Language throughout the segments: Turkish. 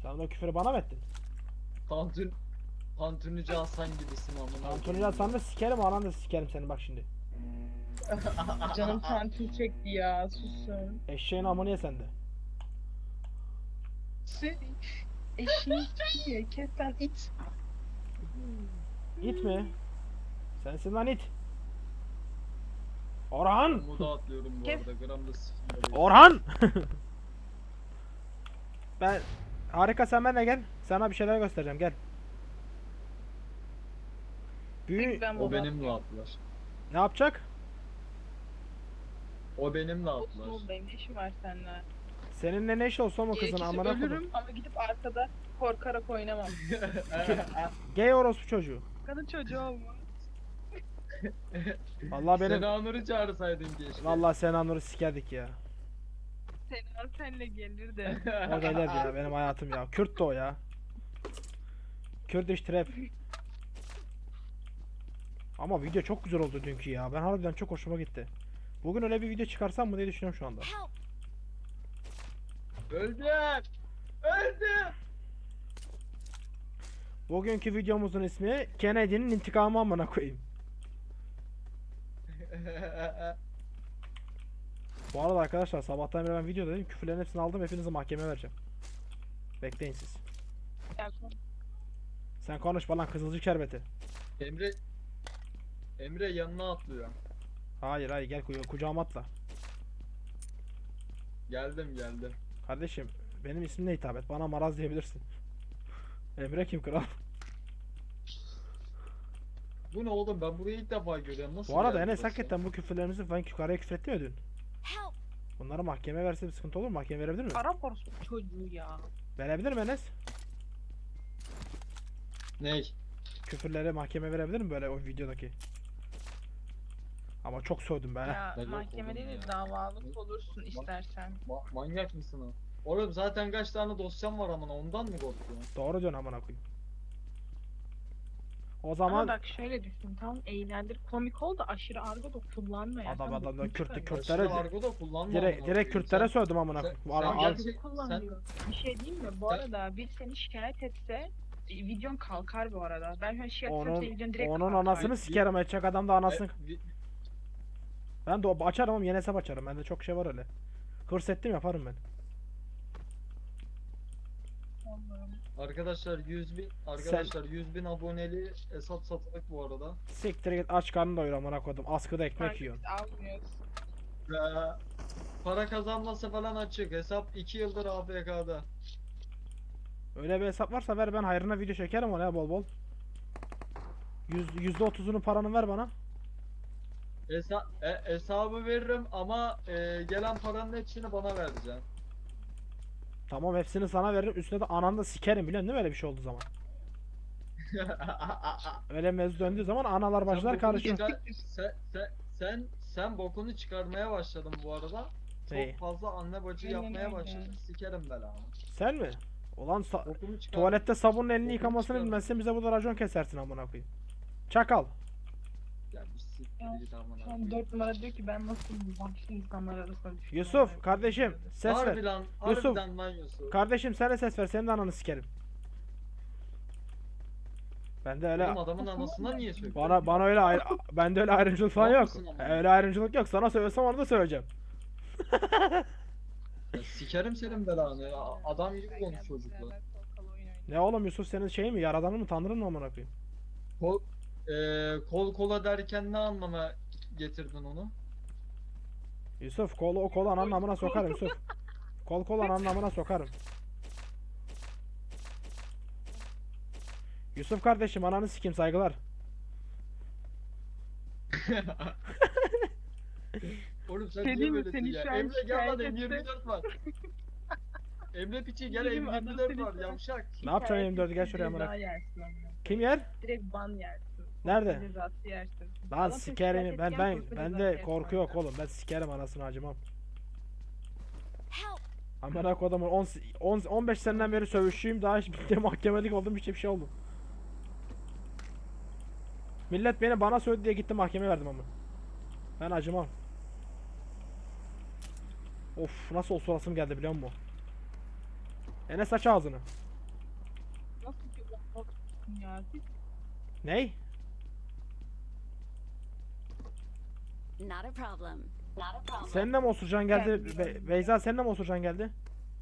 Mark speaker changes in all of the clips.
Speaker 1: Sen de o küfürü bana mı ettin?
Speaker 2: Tantunici Hasan gibisin amına.
Speaker 1: Antony Hasan da sikerim, anan da sikerim seni bak şimdi.
Speaker 3: Canım tantuni çekti ya. Susun.
Speaker 1: Eşeğin amını ye sen de.
Speaker 3: Seni eşeğin diye kesen it.
Speaker 1: İt mi? Sensin lan it. Orhan!
Speaker 2: Muda atlıyorum bu
Speaker 3: Kes.
Speaker 2: arada. Gramda sikimde değil.
Speaker 1: Orhan! Ben... Harika, sen benimle gel. Sana bir şeyler göstereceğim, gel. Büyü...
Speaker 3: Ben
Speaker 2: O
Speaker 3: baba.
Speaker 2: benimle atlar.
Speaker 1: Ne yapacak?
Speaker 2: O benimle
Speaker 3: Olsun
Speaker 2: atlar.
Speaker 3: oğlum, benim ne işim var seninle?
Speaker 1: Seninle ne iş olsa o kızın
Speaker 3: Gerekirse
Speaker 1: amına koydum.
Speaker 3: ölürüm ama gidip arkada korkarak oynamam.
Speaker 1: Gay orospu çocuğu.
Speaker 3: Kadın çocuğu olma.
Speaker 1: Vallahi benim...
Speaker 2: Sena Nur'u çağırsaydın keşke.
Speaker 1: Vallahi Sena Nur'u sikerdik ya.
Speaker 3: Seninle gelir de.
Speaker 1: O gelirdi ya, benim hayatım ya. Kürt de o ya. Kurdish trap. Ama video çok güzel oldu dünkü ya. Ben harbiden çok hoşuma gitti. Bugün öyle bir video çıkarsam mı diye düşünüyorum şu anda.
Speaker 2: Öldüm. Öldüm.
Speaker 1: Bugünkü videomuzun ismi Kennedy'nin intikamı amına koyayım. Bu arada arkadaşlar sabahtan beri ben video dedim, küfürlerin hepsini aldım, hepinizi mahkemeye vereceğim. Bekleyin siz. Sen konuşma lan kızılcık şerbeti.
Speaker 2: Emre yanına atlıyor.
Speaker 1: Hayır hayır, gel kucağıma atla.
Speaker 2: Geldim.
Speaker 1: Kardeşim benim ismimle hitap et, bana Maraz diyebilirsin. Emre kim kral?
Speaker 2: Bu ne oğlum, ben burayı ilk defa görüyorum. Nasıl
Speaker 1: Bu arada
Speaker 2: geldi
Speaker 1: Enes
Speaker 2: burası?
Speaker 1: hakikaten bu küfürlerimizi falan yukarıya küfretti mi dün? Bunları mahkemeye verse bir sıkıntı olur mu? Mahkeme verebilir mi?
Speaker 3: Arap orospu çocuğu ya.
Speaker 1: Verebilir mi Enes?
Speaker 2: Ney?
Speaker 1: Küfürleri mahkeme verebilir mi böyle o videodaki? Ama çok sövdüm be.
Speaker 3: Ya
Speaker 2: Ben yok
Speaker 3: mahkeme
Speaker 2: oğlum
Speaker 3: değil de
Speaker 2: ya.
Speaker 3: davalık olursun istersen.
Speaker 2: Manyak mısın o? Oğlum zaten kaç tane dosyam var amına, ondan mı korkuyorsun?
Speaker 1: Doğru diyorsun amına koyayım. O
Speaker 3: Ama
Speaker 1: zaman
Speaker 3: bak şöyle düşün, tamam eğlendir, komik ol da aşırı argo da kullanma ya.
Speaker 1: adam
Speaker 3: Sen
Speaker 1: da
Speaker 3: bokunu
Speaker 1: Kürtlü
Speaker 3: çıkar.
Speaker 1: Kürtlere
Speaker 2: Aşırı argo da kullanma
Speaker 1: direkt
Speaker 2: amına
Speaker 1: direkt
Speaker 2: koyayım.
Speaker 1: Kürtlere
Speaker 2: Sen-
Speaker 1: sövdüm amına
Speaker 2: sen-
Speaker 1: koyayım.
Speaker 2: sen
Speaker 1: Ara-
Speaker 2: gel-
Speaker 1: al-
Speaker 2: Sen-
Speaker 3: Kullanıyor. Bir şey diyeyim mi? Bu
Speaker 2: Sen-
Speaker 3: arada bir seni şikayet etse videon kalkar bu arada. Ben şu an şikayet etsem
Speaker 1: Onun
Speaker 3: senin videon direkt
Speaker 1: onun
Speaker 3: kalkar.
Speaker 1: anasını
Speaker 2: Ay,
Speaker 1: sikerim, edecek adam da anasını.
Speaker 2: vi-
Speaker 1: Ben de açarım ama yeni hesap açarım. Bende çok şey var öyle. Hırs ettim yaparım ben.
Speaker 2: Arkadaşlar 100.000 aboneli hesap satılık bu arada.
Speaker 1: Siktir git, aç karnını doyur amına koydum. Askıda ekmek
Speaker 3: Kanka
Speaker 1: yiyorsun.
Speaker 3: biz almıyoruz.
Speaker 2: Ve para kazanması falan açık. Hesap 2 yıldır AFK'da.
Speaker 1: Öyle bir hesap varsa ver, ben hayrına video çekerim ona ya bol bol. %30'unu paranı ver bana.
Speaker 2: Hesabı veririm ama gelen paranın hepsini bana vereceksin.
Speaker 1: Tamam, hepsini sana veririm. Üstüne de ananı da sikerim, biliyorsun değil mi öyle bir şey olduğu zaman? Öyle mevzu döndüğü zaman analar
Speaker 2: Sen
Speaker 1: başlar
Speaker 2: bokunu
Speaker 1: karışıyor.
Speaker 2: sen bokunu çıkarmaya başladın bu arada.
Speaker 1: Neyi?
Speaker 2: Çok fazla anne bacı
Speaker 3: Aynen
Speaker 2: yapmaya
Speaker 3: öyle.
Speaker 2: başladın. Sikerim belanı.
Speaker 1: Sen mi? Ulan
Speaker 2: Bokunu çıkar.
Speaker 1: tuvalette sabunun elini
Speaker 2: Bokunu
Speaker 1: yıkamasını
Speaker 2: çıkar.
Speaker 1: bilmezsen bize burada racon kesersin amına koyayım. Çakal.
Speaker 2: Ya bir siktir
Speaker 3: Ya,
Speaker 2: git amına
Speaker 3: Şu an
Speaker 2: koyayım.
Speaker 3: 4 numara diyor ki ben nasıl bu vahşi insanlar arasında düştüm.
Speaker 1: Yusuf kardeşim ses ver.
Speaker 2: Harbiden,
Speaker 1: Yusuf.
Speaker 2: harbiden lan Yusuf.
Speaker 1: Kardeşim sen de ses ver, senin de ananı sikerim. Ben de öyle
Speaker 2: Oğlum adamın anasına niye söylüyorsun?
Speaker 1: bana öyle bende öyle ayrımcılık falan
Speaker 2: Ne
Speaker 1: yok.
Speaker 2: yapıyorsun ama?
Speaker 1: Öyle ayrımcılık yok. Sana söylesem onu da söyleyeceğim.
Speaker 2: Ya sikerim senin belanı ya. Adam gibi konuş çocukla.
Speaker 1: Ne oğlum Yusuf, senin şey mi, yaradanın mı, tanrın mı amına koyayım?
Speaker 2: Kol kola derken ne anlama getirdin onu?
Speaker 1: Yusuf o kolu ananın amına sokarım Yusuf. Kol ananın amına sokarım. Yusuf kardeşim, ananı sikeyim, saygılar.
Speaker 2: Oğlum sen
Speaker 3: Şey
Speaker 2: niye
Speaker 3: diyeyim mi,
Speaker 2: böylesin
Speaker 3: seni
Speaker 2: ya?
Speaker 3: şu an
Speaker 2: Emre gel lan,
Speaker 3: şikayet
Speaker 2: M24 var. Emre piçi gel,
Speaker 3: Diyeyim mi, adam
Speaker 2: M24
Speaker 3: seni
Speaker 2: var
Speaker 3: şu an-
Speaker 2: yavşak.
Speaker 1: Ne yapacaksın 24'ü, gel şuraya amına.
Speaker 3: Ceza yersin amına.
Speaker 1: Kim yer?
Speaker 3: Direkt ban yersin.
Speaker 1: Nerede?
Speaker 3: Cezası yersin.
Speaker 1: Lan
Speaker 3: Adam seni
Speaker 1: sikerim,
Speaker 3: şikayet
Speaker 1: ben
Speaker 3: etken korku cezası
Speaker 1: bende
Speaker 3: yersin
Speaker 1: korku yok
Speaker 3: amına.
Speaker 1: oğlum, ben sikerim anasını, acımam. Amına kodumun 15 seneden beri sövüşçüyüm, daha hiç bitti mahkemelik oldum, hiç bir şey oldum. Millet bana söyledi diye gittim mahkemeye verdim ama. Ben acımam. Of, nasıl osurasım geldi biliyor musun? Enes aç ağzını.
Speaker 3: otursun ya.
Speaker 1: Ney?
Speaker 4: Not a problem. Not a problem.
Speaker 1: Senin de mi osurcan geldi?
Speaker 3: Geldim.
Speaker 1: Beyza senin de mi osurcan geldi?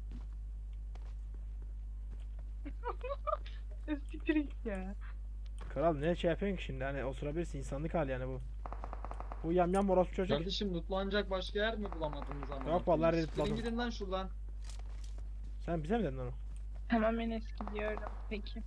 Speaker 3: Siktir git ya.
Speaker 1: Kral ne şey yapıyorsun ki şimdi, hani osurabilirsin, insanlık hali yani bu. Bu yamyam orospu çocuk.
Speaker 2: Kardeşim lootlanacak başka yer mi bulamadınız ama?
Speaker 1: Yok vallahi
Speaker 2: Siktirin
Speaker 1: lootladım.
Speaker 2: gidin lan şuradan.
Speaker 1: Sen bize mi dedin onu?
Speaker 3: Tamam Enes gidiyorum. Peki.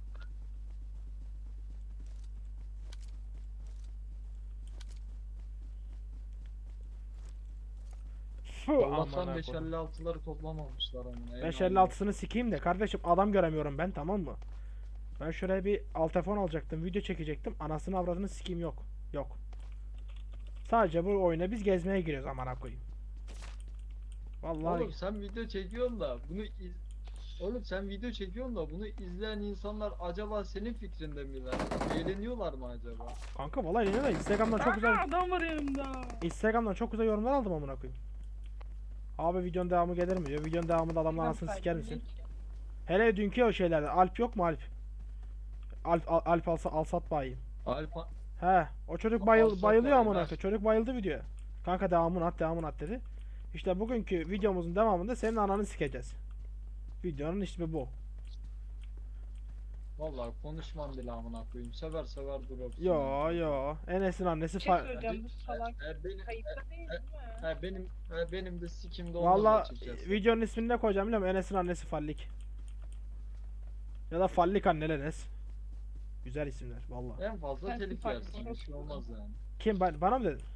Speaker 1: Fuh,
Speaker 2: Allah'tan
Speaker 1: amına koydum.
Speaker 2: 556'ları toplamamışlar amına.
Speaker 1: 556'sını sikeyim de kardeşim, adam göremiyorum ben, tamam mı? Ben şuraya bir alt telefon alacaktım, video çekecektim. Anasını avradını sikeyim, yok. Yok. Sadece bu oyuna biz gezmeye giriyoruz amına koyayım. Vallahi
Speaker 2: Oğlum sen video çekiyorsun da Oğlum sen video çekiyorsun da bunu izleyen insanlar acaba senin fikrinde miler? Eğleniyorlar mı acaba?
Speaker 1: kanka vallahi ne, Instagram'dan çok güzel
Speaker 3: Adam var yanımda.
Speaker 1: Instagram'dan çok güzel yorumlar aldım amına koyayım. Abi videonun devamı gelir mi diyor. Videonun devamında adamın anasını siker misin? Hele dünkü o şeylerde Alp yok mu Alp? Alp Alsat bayım.
Speaker 2: Alfa
Speaker 1: He, o çocuk
Speaker 2: Alsat
Speaker 1: bayılıyor
Speaker 2: bayım,
Speaker 1: amına
Speaker 2: ha.
Speaker 1: koyayım. Çocuk bayıldı videoya. Kanka devamını at dedi. İşte bugünkü videomuzun devamında senin ananı sikeceğiz. Videonun ismi bu.
Speaker 2: vallahi konuşmam bile amına koyayım. Sever sever durur.
Speaker 1: Yo. Enes'in annesi
Speaker 3: Bir şey söyleyeceğim, bu salak
Speaker 2: Benim
Speaker 3: kayıtta değil mi?
Speaker 2: benim de sikimde olmaz
Speaker 1: Valla
Speaker 2: açıkçası.
Speaker 1: videonun ismini ne koyacağım biliyor musun? Enes'in annesi Fallik. Ya da Fallik anneli Enes. Güzel isimler valla.
Speaker 2: En fazla
Speaker 3: Sen
Speaker 2: telif
Speaker 3: fark
Speaker 2: yersin. Bir şey
Speaker 3: ediyorsun.
Speaker 2: olmaz yani.
Speaker 1: Kim bana mı dedin?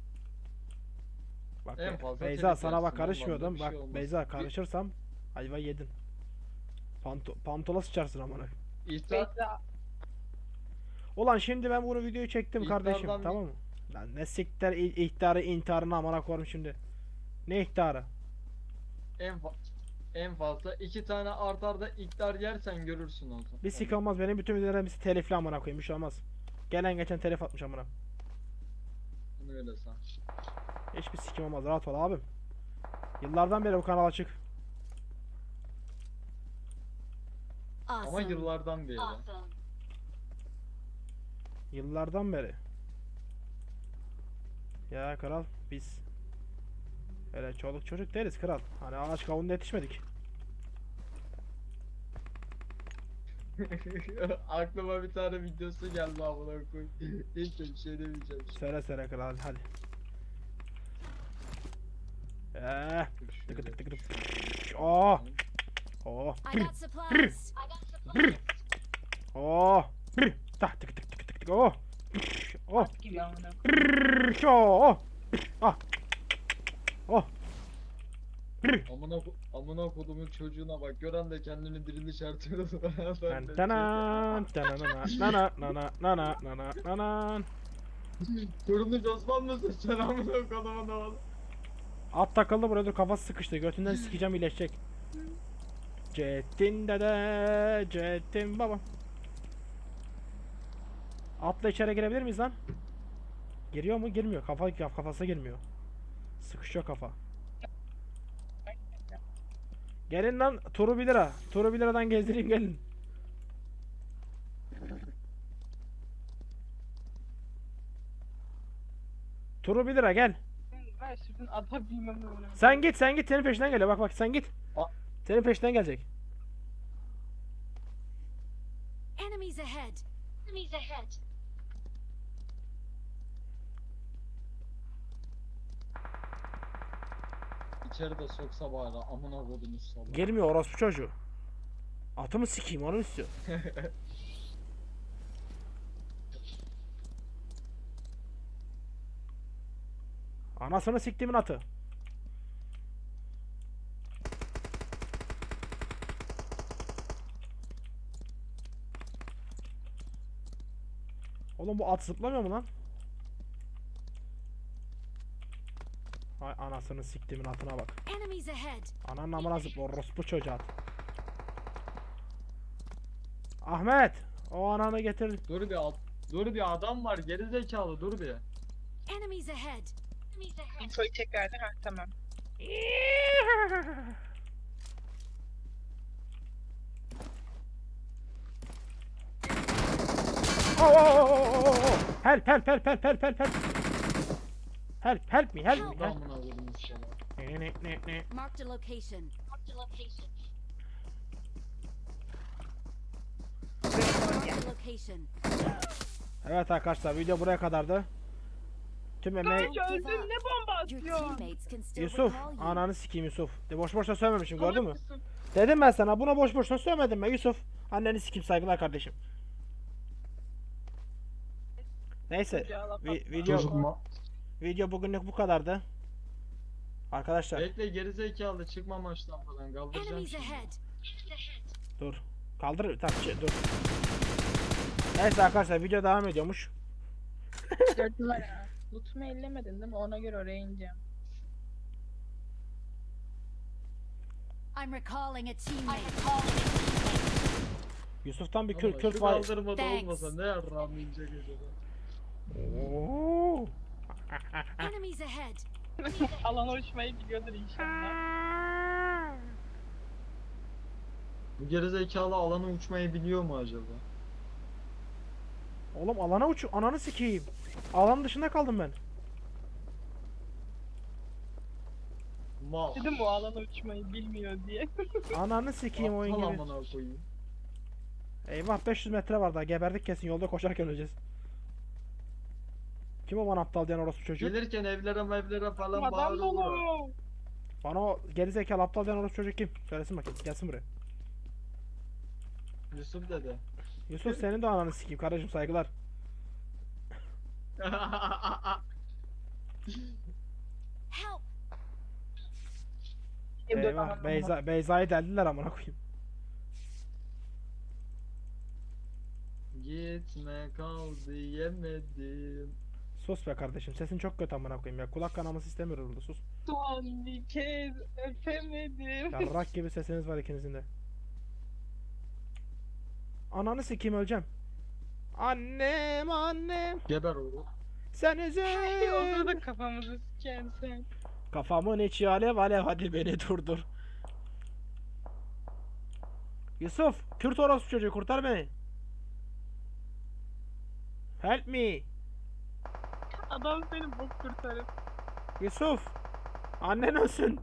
Speaker 1: Bak
Speaker 2: En fazla
Speaker 1: Beyza
Speaker 2: telif
Speaker 1: sana
Speaker 2: yersin,
Speaker 1: bak
Speaker 2: ondan da
Speaker 1: karışmıyordum.
Speaker 2: bir
Speaker 1: Bak
Speaker 2: şey olmaz.
Speaker 1: Beyza karışırsam ayva yedin. Pantola sıçarsın amına.
Speaker 2: İhtar,
Speaker 3: Beyza
Speaker 1: Ulan şimdi ben bunu videoyu çektim kardeşim,
Speaker 2: İhtardan bir-
Speaker 1: tamam mı? Lan ne siktir ihtarı intiharını amına koyayım şimdi. Ne ihtarı?
Speaker 2: en fazla 2 tane art arda ihtar yersen görürsün o zaman.
Speaker 1: Bir sik olmaz, benim bütün videolarım hepsi telifli amına koyayım, bir şey olmaz. Gelen geçen telif atmış amına.
Speaker 2: Onu öyle san.
Speaker 1: Hiçbir sikim olmaz, rahat ol abim. Yıllardan beri bu kanal açık.
Speaker 2: Ama
Speaker 4: Awesome.
Speaker 2: yıllardan beri.
Speaker 4: Awesome.
Speaker 1: Yıllardan beri. Ya kral biz öyle çoluk çocuk değiliz kral. Hani ağaç kavunda yetişmedik.
Speaker 2: Aklıma bir tane videosu geldi amına koyayım. Neyse bir şey demeyeceğim.
Speaker 1: Söyle kral hadi. Tıkı tık tık tık. Oh. Oh.
Speaker 4: I got supplies. I got supplies.
Speaker 1: Oh. Tak tık tık tık tık tık. Oh. Oh.
Speaker 3: at gibi amına.
Speaker 1: Oh. Ah. Oh.
Speaker 2: Amına kodumun çocuğuna bak. Gören de kendini diriliş artıyor.
Speaker 1: Tanan tanana nana nana nana nana.
Speaker 2: Turuncu Osman mısın sen amına kodumun oğlu?
Speaker 1: At takıldı buraya, dur kafası sıkıştı. Götünden sikeceğim, iyileşecek. Cettin dede, Cettin baba. Atla içeri girebilir miyiz lan? Giriyor mu? Girmiyor. Kafası girmiyor. Sıkışıyor kafa. Gelin lan, turu 1 lira. Turu 1 liradan gezdireyim, gelin. Turu 1 lira, gel.
Speaker 3: Ver şuradan ata bilmem öyle.
Speaker 1: Sen git senin peşinden geliyor, bak sen git.
Speaker 2: A-
Speaker 1: Senin peşinden gelecek.
Speaker 4: Enemies ahead. Enemies ahead.
Speaker 2: İçeri de soksa bari amına kodumun salak.
Speaker 1: Gelmiyor orospu çocuğu. Atımı sikeyim, onu istiyor. Anasını siktimin atı. Oğlum bu at zıplamıyor mu lan? Hay anasını siktimin atına bak.
Speaker 4: Enemies ahead.
Speaker 1: Ananın amına zıpla orospu çocuğu at. Ahmet, o ananı getir.
Speaker 2: Dur bir adam var geri zekalı dur bir.
Speaker 4: Enemies ahead. Enemies ahead.
Speaker 3: Infoyu tekrardan tamam.
Speaker 1: Oh, oh, oh, oh, oh, oh. Help, help, help, help, help, help, help. Help, help me, help me.
Speaker 2: Burada amına koydum inşallah.
Speaker 1: Ne.
Speaker 4: Marked a location. Marked a location. Marked a location.
Speaker 1: Evet arkadaşlar, video buraya kadardı. Tüm emeği...
Speaker 3: Kanka öldün ne bomba
Speaker 4: Your
Speaker 3: atıyorsun?
Speaker 4: teammates can still
Speaker 1: Yusuf,
Speaker 4: recall you.
Speaker 1: ananı sikeyim Yusuf. De boş boşuna söylememişim, gördün mü?
Speaker 3: Salak mısın?
Speaker 1: Dedim ben sana, buna boş boşuna söylemedim ben Yusuf. Anneni sikeyim, saygılar kardeşim. Neyse, video bugünlük bu kadardı. Arkadaşlar,
Speaker 2: Bekle gerizekalı çıkma maçtan falan kaldıracağım
Speaker 4: Enemies
Speaker 2: şimdi.
Speaker 4: ahead.
Speaker 1: dur. Kaldır, tamam, dur. Neyse arkadaşlar, video devam ediyormuş.
Speaker 3: 4 numara. Lootumu ellemedin değil mi? Ona göre oraya ineceğim.
Speaker 4: I'm recalling a teammate.
Speaker 1: Yusuf'tan bir
Speaker 2: Ama
Speaker 1: Kürt
Speaker 2: şu
Speaker 1: var.
Speaker 2: kaldırmada
Speaker 4: Thanks.
Speaker 2: olmasa ne yarrağım inecek acaba?
Speaker 1: Oo.
Speaker 4: Enemies ahead.
Speaker 3: Alana uçmayı biliyordur inşallah.
Speaker 2: Bu gerizekalı alana uçmayı biliyor mu acaba?
Speaker 1: Oğlum alana uç, ananı sikeyim. Alanın dışında kaldım ben.
Speaker 2: Mal.
Speaker 3: Dedim bu alana uçmayı bilmiyor diye.
Speaker 1: Ananı sikeyim oyun
Speaker 2: Aptal
Speaker 1: gibi.
Speaker 2: amına koyayım.
Speaker 1: Eyvah 500 metre var daha, geberdik kesin, yolda koşarken öleceğiz. Kim o bana aptal diyen orospu çocuğu?
Speaker 2: Gelirken evlere falan
Speaker 3: Adam
Speaker 2: bağırıyorlar.
Speaker 3: dolu.
Speaker 1: Bana o gerizekalı aptal diyen orospu çocuk kim? Söylesin bakayım, gelsin buraya.
Speaker 2: Yusuf dede.
Speaker 1: Yusuf senin de ananı sikeyim kardeşim, saygılar.
Speaker 4: Help.
Speaker 1: Eyvah Beyza'yı deldiler amına koyayım.
Speaker 2: Gitme kal diyemedim.
Speaker 1: Sus be kardeşim, sesin çok kötü amına koyayım ya, kulak kanaması istemiyorum burada, sus.
Speaker 3: Son bir kez öpemedim.
Speaker 1: Yarrak gibi sesiniz var ikinizin de. Ananı sikeyim, öleceğim. Annem
Speaker 2: Geber oğlum.
Speaker 1: sen
Speaker 3: Orada
Speaker 1: üzül.
Speaker 3: da kafamızı siken sen.
Speaker 1: Kafamın içi alev alev, hadi beni durdur. Yusuf, Kürt orospu çocuğu, kurtar beni. Help me.
Speaker 3: Adam seni bok kurtarır.
Speaker 1: Yusuf. Annen ölsün.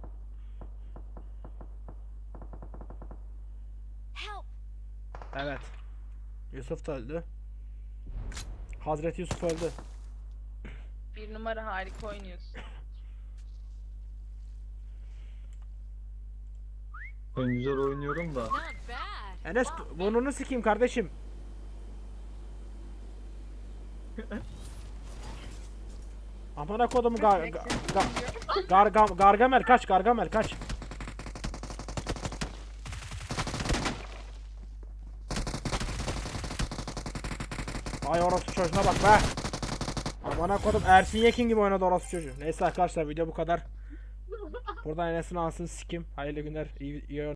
Speaker 4: Help.
Speaker 1: Evet. Yusuf da öldü. Hazreti Yusuf öldü.
Speaker 3: 1 numara harika oynuyorsun.
Speaker 2: Ben güzel oynuyorum da.
Speaker 4: Not bad.
Speaker 1: Enes burnunu sikeyim kardeşim. Amına kodumu Gargamel kaç, Gargamel kaç. Ay orospu çocuğuna bak be. Amına kodum Ersin Yekin gibi oynadı orospu çocuğu. Neyse arkadaşlar, video bu kadar. Buradan Enes'in ansını sikim. Hayırlı günler. İyi